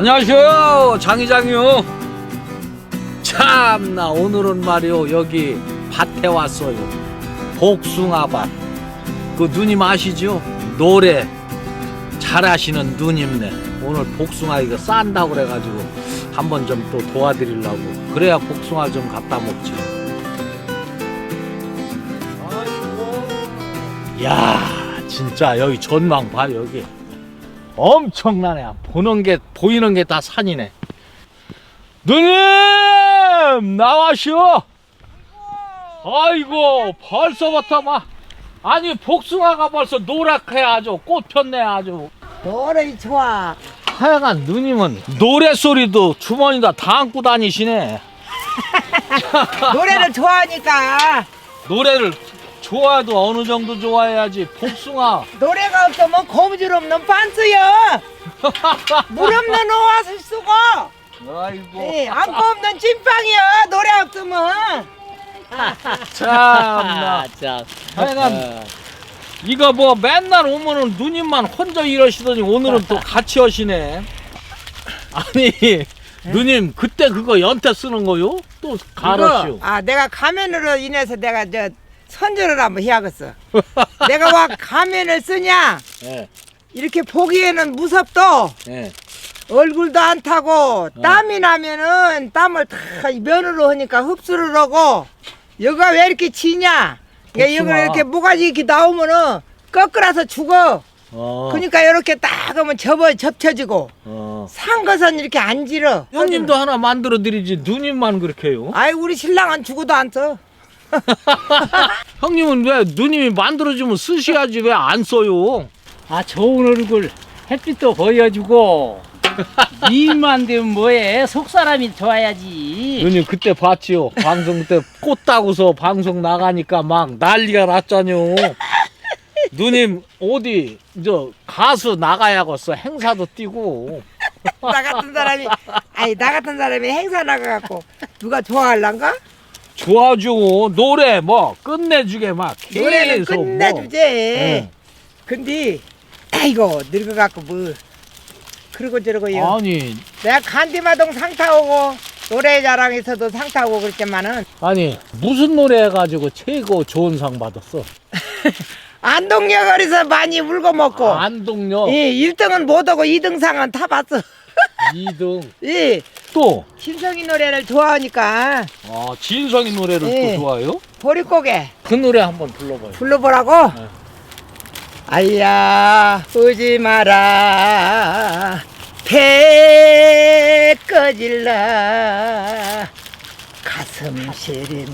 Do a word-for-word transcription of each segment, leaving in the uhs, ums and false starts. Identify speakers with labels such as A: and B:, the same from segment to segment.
A: 안녕하세요, 장이장이요. 참나 오늘은 말이요 여기 밭에 왔어요. 복숭아밭. 그 누님 아시죠? 노래 잘하시는 누님네. 오늘 복숭아 이거 싼다고 그래가지고 한번 좀 또 도와드리려고. 그래야 복숭아 좀 갖다 먹지. 아이고. 야 진짜 여기 전망 봐. 여기 엄청나네. 보는 게 보이는 게 다 산이네. 누님 나와시오. 아이고 벌써부터 막 아니 복숭아가 벌써 노랗게 아주 꽃 폈네. 아주
B: 노래 좋아.
A: 하여간 누님은 노래소리도 주머니다 다 안고 다니시네.
B: 노래를 좋아하니까.
A: 노래를 좋아도 어느 정도 좋아해야지. 복숭아
B: 노래가 없으면 고무줄 없는 반스요. 물 없는 오아스 쓰고.
A: 아이고
B: 예, 안고 없는 찐빵이요. 노래 없으면.
A: 참나.
C: 참.
A: 하여간 이거 뭐 맨날 오면은 누님만 혼자 이러시더니 오늘은 또 같이 하시네. 아니 누님 그때 그거 연태 쓰는 거요? 또 가로시오.
B: 이거, 아 내가 가면으로 인해서 내가 저 선전을 한번 해야겠어. 내가 와 가면을 쓰냐?
A: 예,
B: 이렇게 보기에는 무섭도
A: 예.
B: 얼굴도 안 타고 땀이 나면은 땀을 다 면으로 하니까 흡수를 하고 여기가 왜 이렇게 지냐? 여기
A: 복숭아.
B: 이렇게 모가지 이렇게 나오면은 꺾으라서 죽어.
A: 어,
B: 그러니까 이렇게 딱 하면 접어 접혀지고
A: 어.
B: 산 것은 이렇게 안 질어.
A: 형님도 하나 만들어 드리지 누님만 그렇게 해요?
B: 아이 우리 신랑은 죽어도 안 써.
A: 형님은 왜 누님이 만들어주면 쓰셔야지 왜 안 써요?
C: 아, 좋은 얼굴 햇빛도 보여주고 미인만 되면 뭐해? 속사람이 좋아야지.
A: 누님 그때 봤지요? 방송 때 꽃 따고서 방송 나가니까 막 난리가 났잖요. 누님 어디 저 가수 나가야겠어. 행사도 뛰고.
B: 나 같은 사람이 아니 나 같은 사람이 행사 나가갖고 누가 좋아할란가?
A: 좋아지고 노래 뭐 끝내주게 막
B: 노래는
A: 계속
B: 끝내주지.
A: 뭐.
B: 근데 아이고 늙어갖고 뭐 그러고 저러고 요.
A: 아니
B: 내가 간디마동 상 타오고 노래자랑에서도 상 타오고 그랬지만은
A: 아니 무슨 노래 해가지고 최고 좋은 상 받았어?
B: 안동여거리서 많이 울고 먹고
A: 아, 안동역
B: 예, 일 등은 못하고 이 등 상은 타봤어.
A: 이 등
B: 예,
A: 또
B: 신성이 노래를 좋아하니까
A: 아, 진성이 노래를
B: 예.
A: 또 좋아해요?
B: 보릿고개
A: 그 노래 한번 불러봐요.
B: 불러보라고?
A: 네.
B: 아야 오지 마라 배 꺼질라 가슴 시린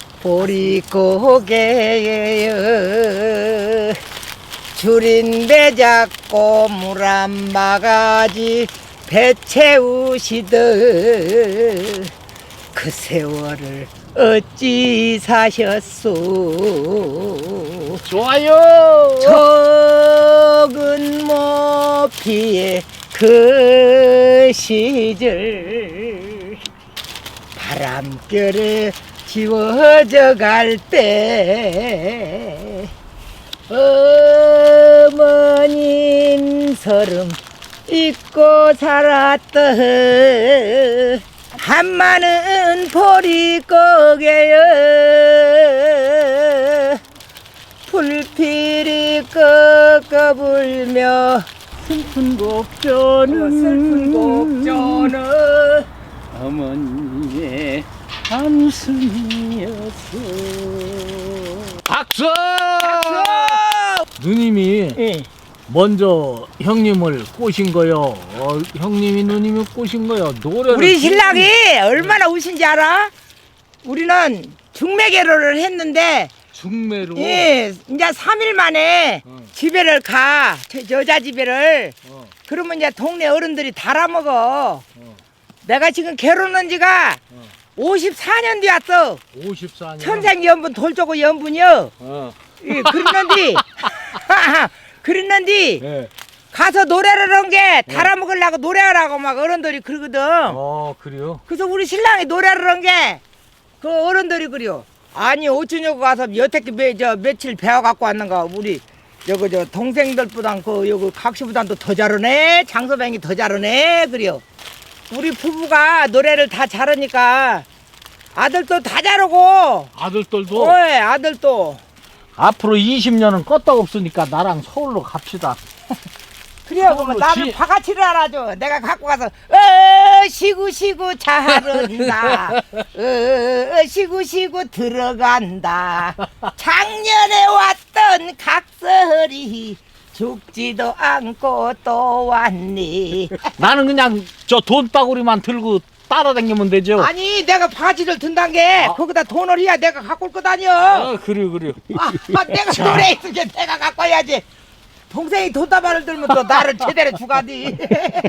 B: 보릿고개여 줄인 배 잡고 물 한 바가지 배 채우시듯 그 세월을 어찌 사셨소
A: 좋아요.
B: 적은 모피의 그 시절 바람결에 지워져 갈 때 어머님 서름 잊고 살았던 한마는 보릿고개여 불필이 꺾어 불며
C: 슬픈 곡조는
B: 슬픈 곡조는
C: 어머니의 한숨이었어.
A: 박수! 누님이
B: 예.
A: 먼저 형님을 꼬신 거요. 어, 형님이 누님이 꼬신 거요. 노래를
B: 우리 신랑이 얼마나 우신지 알아? 우리는 중매결혼을 했는데
A: 중매로.
B: 예, 이제 삼 일 만에
A: 어.
B: 집에를 가. 저 여자 집에를.
A: 어,
B: 그러면 이제 동네 어른들이 달아먹어.
A: 어,
B: 내가 지금 결혼한 지가
A: 어.
B: 오십사 년 되었어.
A: 오십사 년.
B: 천생연분 돌조고 연분이요.
A: 어.
B: 예, 그랬는데 그랬는데
A: 예.
B: 가서 노래를 한 게 달아먹으려고 노래하라고 막 어른들이 그러거든.
A: 어, 그래요?
B: 그래서 우리 신랑이 노래를 한 게 그 어른들이 그래요. 아니 어쩌냐고 가서 여태껏 매, 저 며칠 배워 갖고 왔는가 우리 여기 저 동생들보단 그 여기 각시보단도 더 잘하네. 장서뱅이 더 잘하네. 그래요. 우리 부부가 노래를 다 잘하니까 아들도 다 잘하고.
A: 아들들도
B: 어이 아들도.
A: 앞으로 이십 년은 껐다 없으니까 나랑 서울로 갑시다.
B: 그래요. 그러면
A: 서울로
B: 나를
A: 지-
B: 바가지를 알아줘. 내가 갖고 가서 어 시구 시구 잘한다. 어 시구 시구 들어간다. 작년에 왔던 각설이 죽지도 않고 또 왔니.
A: 나는 그냥 저 돈바구리만 들고 따라다니면 되죠.
B: 아니 내가 바가지를 든단 게 거기다 돈을 해야 내가 갖고 올 거 다녀.
A: 아, 그래요, 그래요.
B: 아, 아, 내가 노래 있으게 내가 갖고 와야지. 동생이 돈다발을 들면 또 나를 제대로 주가디.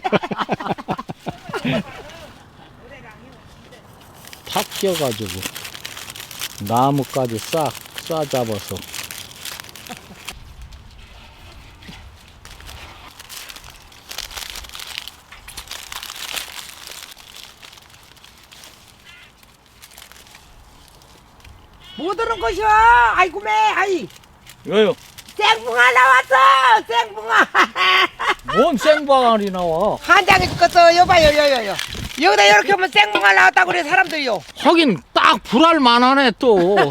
A: 탁 끼어가지고 나무까지 싹 싸잡아서
B: 뭐 들은 것이야? 아이고 매, 아이.
A: 왜요?
B: 생붕아 나왔어, 생붕아.
A: 뭔 생방알이 나와?
B: 한 장에 죽겠어, 여봐요, 여여여. 여기다 이렇게 하면 생붕아 나왔다고 그래 사람들이요.
A: 하긴 딱 불알 만하네 또.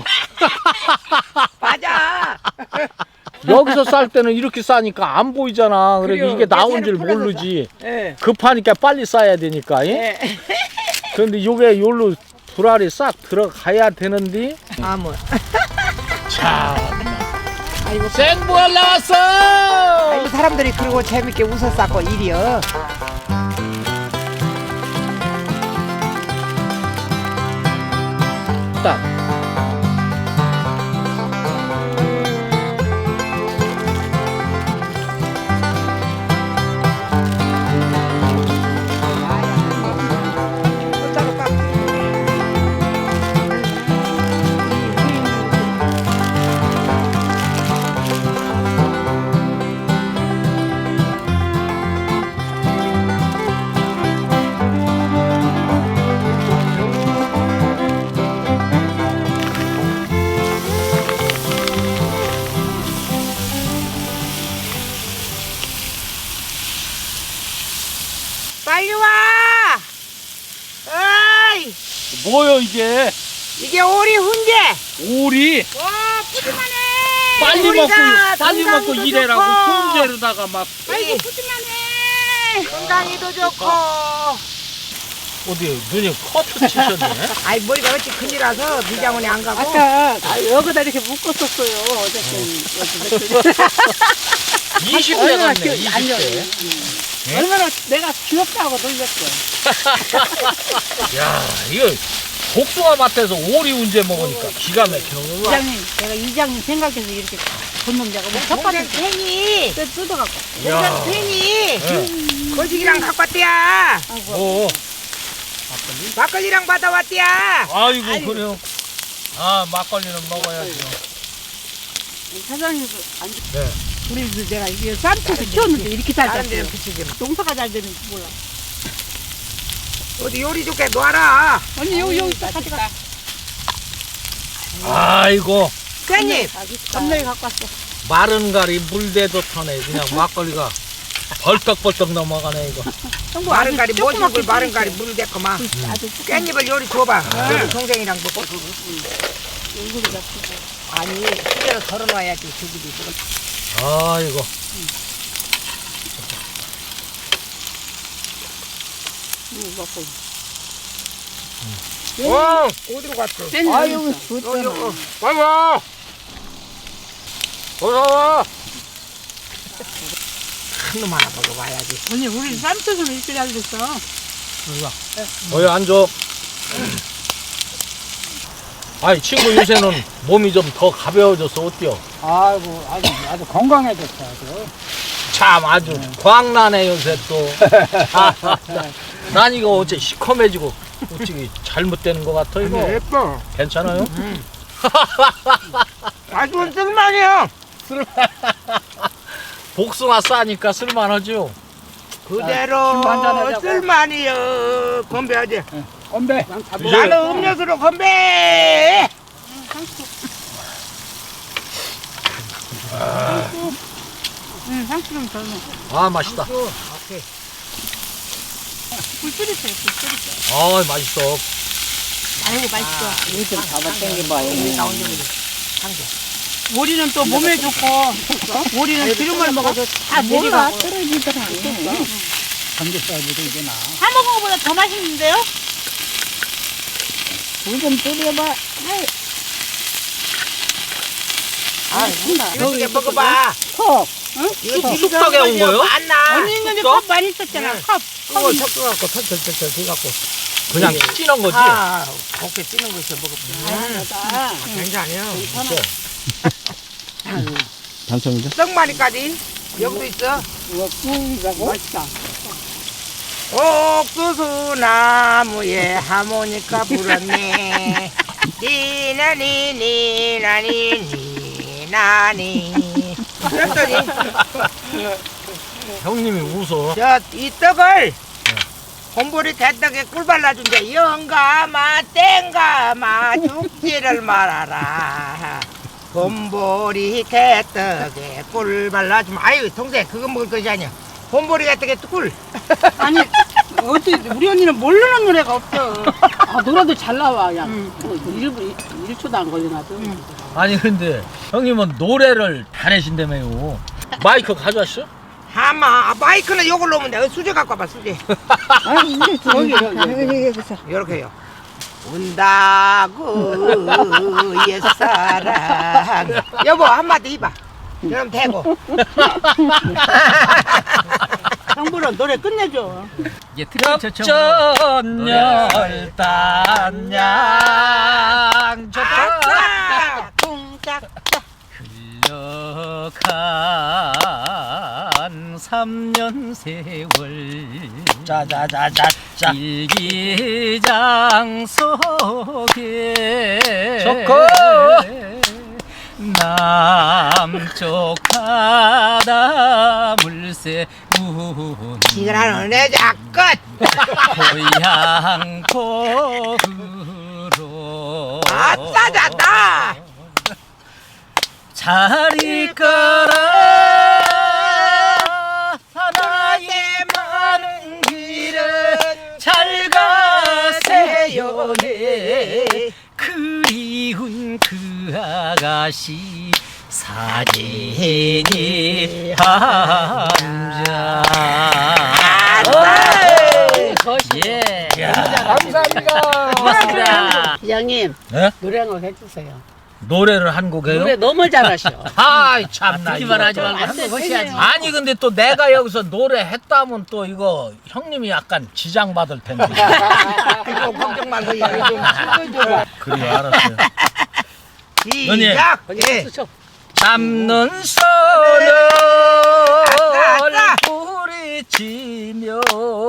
B: 맞아.
A: 여기서 쌀 때는 이렇게 싸니까 안 보이잖아. 그래
B: 그래요.
A: 이게 나온 줄
B: 계산을
A: 모르지.
B: 예.
A: 급하니까 빨리 싸야 되니까. 예?
B: 예.
A: 그런데 요게 요로 불알이 싹 들어가야 되는데.
B: 아 뭐.
A: 자,
B: 아이고.
A: 생불알 나왔어.
B: 아이고 사람들이 그러고 재밌게 웃었었고 일이요.
A: 딱.
B: 어따로 깎. 빨리 와! 어이!
A: 뭐요 이게?
B: 이게 오리 훈제!
A: 오리.
B: 와, 푸짐하네!
A: 빨리 먹고
B: 오리가
A: 빨리 먹고
B: 건강에도
A: 일해라고
B: 좋고.
A: 훈제로다가 막
B: 아이고, 푸짐하네! 건강에도 좋고.
A: 어디 누님 커트 치셨네.
B: 아이, 머리가 어찌 큰지라서 미장원에 안 가고.
C: 아까 여기다 이렇게 묶었었어요. 어저께.
A: 이십 대
C: 얼마나
A: 같네.
C: 귀-
A: 이십
C: 아니요.
A: 대.
C: 얼마나 내가 귀엽다고 놀렸어.
A: 야 이거 복숭아 밭에서 오리 훈제 먹으니까 기가 막히는 거야.
C: 이장님, 내가 이장님 생각해서 이렇게 본놈 자고 첫
B: 동생
C: 번째
B: 팬이,
C: 때 뜯어갖고.
B: 동생 팬이,
A: 네.
B: 거식이랑 갖고 왔대야.
C: 아이고.
A: 어.
B: 막걸리랑 받아왔대야.
A: 아이고
C: 아이고.
A: 그래요. 아 막걸리는 먹어야죠.
C: 사장님도 안 좋.
A: 네.
C: 우리 그 내가 이게 쌈채서 키웠는데 이렇게 잘
B: 다른
C: 됐어요.
B: 데는 붙이지 마.
C: 농사가 잘 되는지 몰라.
B: 어디 요리 좋게 놔라.
C: 언니 여기 여기 있다 가져가.
A: 아이고
B: 팬님,
C: 겁나게 갖고 왔어.
A: 마른 가리 물대도 타네. 그냥 막걸리가 벌떡벌떡 넘어가네 이거.
C: 형부
B: 마른
C: 아주
B: 가리
C: 조그맣게
B: 모죽을 마른
C: 끓였어요.
B: 가리 물을 데꼬마.
C: 아주 조그맣게
B: 깻잎을 요리 줘봐. 여기 동생이랑 먹고.
C: 얼굴이 잡히고.
B: 아니, 수저로 덜어놔야지, 저기도 지금.
A: 아이고.
C: 응, 먹고.
B: 와, 어디로 갔어?
C: 아유,
B: 어, 여, 어.
A: 빨리 와. 어서 와.
B: 큰 놈 하나 먹어봐야지.
C: 언니 우리 쌈채서는 이렇게 잘 됐어.
A: 어여 앉아. 아이 친구 요새는 몸이 좀 더 가벼워져서 어때요?
C: 아이고 아주 아주 건강해졌어 아주.
A: 참 아주 광나네 요새 또. 난 이거 어째 시커매지고 어찌 잘못되는 것 같아 이거.
B: 예뻐.
A: 괜찮아요?
B: 아주 쓸만해요.
A: 복숭아 싸니까 쓸만하죠.
B: 그대로
C: 김 한잔하자고.
B: 쓸만해요. 건배하지.
C: 건배.
A: 이제
B: 나는 음료수로 건배.
C: 응, 상추 좀 덜 넣어.
A: 아 맛있다.
B: 오케이.
C: 불 끓이세요, 불 끓이세요.
A: 아 맛있어.
C: 아이고, 맛있어.
B: 이좀 잡아 당겨봐. 여기 나온 게
C: 오리는 또 몸에 좋고, 오리는 기름을 먹어도 다
B: 몰라,
C: 내리가고.
B: 떨어지더라.
C: 삼겹살보다 이게 나. 사 먹은 것보다 더 맛있는데요?
B: 물좀 뿌려봐. 아, 이거 이제 먹어봐. 컵.
C: 응?
B: 이거
A: 쑥- 쑥떡에 온 거요?
B: 맞나?
C: 언니 있는데 컵 많이 썼잖아, 컵.
B: 그거 섞어갖고 털털털털 해갖고.
A: 그냥 찌는 거지.
B: 아, 곱게 찌는 거 있어 먹어봐. 아, 괜찮아요.
D: 당첨이죠?
B: 떡마니까지 여기도 있어.
C: 이거 꿀이라고? 맛있다.
B: 옥수수 나무에 하모니카 불었네. 니나니 니나니 니나니. 그랬더니
A: 형님이 웃어.
B: 저 이 떡을 곰보리 대떡에 꿀 발라준대. 영감아 땡감아 죽지를 말아라. 곰보리 개떡에 꿀 발라주면 아유 동생 그거 먹을 것이 아니야. 곰보리 개떡에 꿀.
C: 아니, 어떻게, 우리 언니는 모르는 노래가 없어. 아, 노래도 잘 나와, 야. 응. 일 분, 일 초도 안 걸려, 나도. 응.
A: 아니 근데 형님은 노래를 잘하신다며요. 마이크 가져왔어?
B: 하마 마이크는 요걸 놓으면 돼. 수제 갖고 와봐 수제.
C: 아, 이게 저기, 여기, 여기.
B: 요렇게요. 운다고 옛사랑. 여보 한마디 해봐. 그럼 되고.
C: 형부는 노래 끝내줘.
A: 역전열단양
B: 아싸! 쿵짝.
E: 흘러간 삼년 세월
A: 짜자자자자.
E: 일기장 속에
A: 좋고.
E: 남쪽 바다 물새 운
B: 이거는 내 작끝.
E: 고향 고으로
B: 아싸 잤다.
E: 잘 있거라 하나의 많은 길은 잘 가세요 예. 그리운 그 아가씨 사진이 한장 예.
A: 감사합니다.
E: 고맙습니다.
C: 이장님,
A: 네?
C: 노래 한 곡 해주세요.
A: 노래를 한 곡 해요?
C: 노래 너무 잘하셔.
A: 아이 참나.
E: 듣기만
A: 이거
E: 하지
A: 또.
E: 말고 한번 하셔야지.
A: 아니 근데 또 내가 여기서 노래 했다면 또 이거 형님이 약간 지장 받을 텐데.
B: 이거 걱정 말고 이거 좀 찍어줘.
A: 그래 알았어요.
B: 시작. 예.
A: 잡는 손을
B: 아싸.
A: 부리치며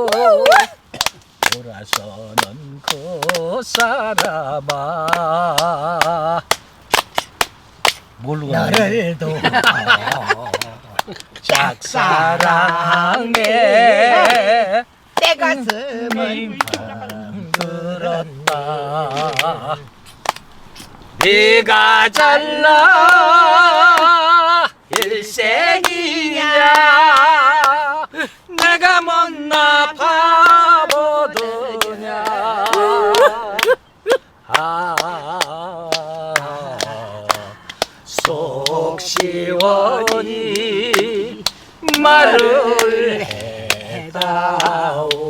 A: 돌아서는 그 사람아 뭘로
B: 너를 도
A: 짝사랑해
B: 내 가슴을
A: 들었나 네가 잘나 일생이냐 내가 못나 바보더냐 아, 속 시원히 말을 해다오